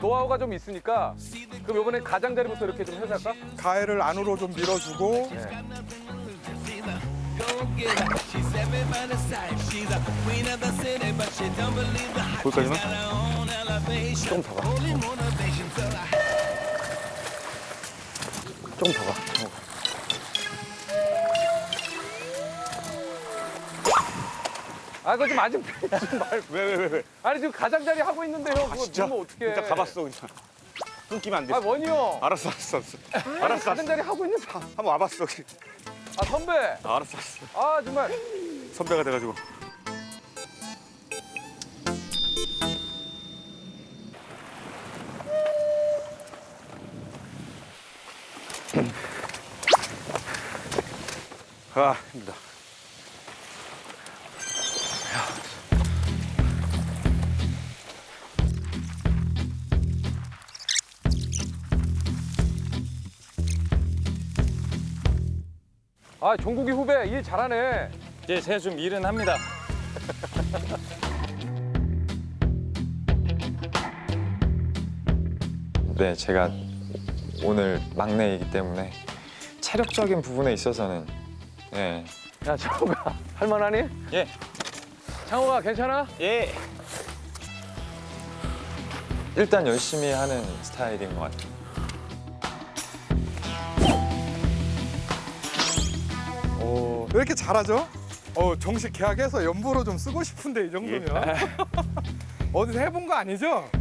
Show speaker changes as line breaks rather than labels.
노하우가 좀 있으니까 그럼 이번에 가장자리부터 이렇게 좀 해서 할까?
가해를 안으로 좀 밀어주고
네.
거기까지만?
조금 더 가. 조금 더 가. 아, 그거 좀 아직 좀 말.
왜?
아니 지금 가장자리 하고 있는데 형 그거
진짜?
누르면 어떡해?
일단 가봤어 그냥. 끊기면 안 돼.
아 원희 형.
알았어. 알았어.
가장자리 하고 있는데.
한번 와봤어.
아 선배.
알았어.
아 정말.
선배가 돼가지고. 아, 힘들다.
아 종국이 후배 일 잘하네.
예, 제가 좀 일은 합니다. 네, 제가 오늘 막내이기 때문에 체력적인 부분에 있어서는 예,
야 창호가 할만하니?
예,
창호가 괜찮아?
예. 일단 열심히 하는 스타일인 것 같아요.
왜 이렇게 잘하죠? 정식 계약해서 연보로 좀 쓰고 싶은데 이 정도면 어디서 해본 거 아니죠?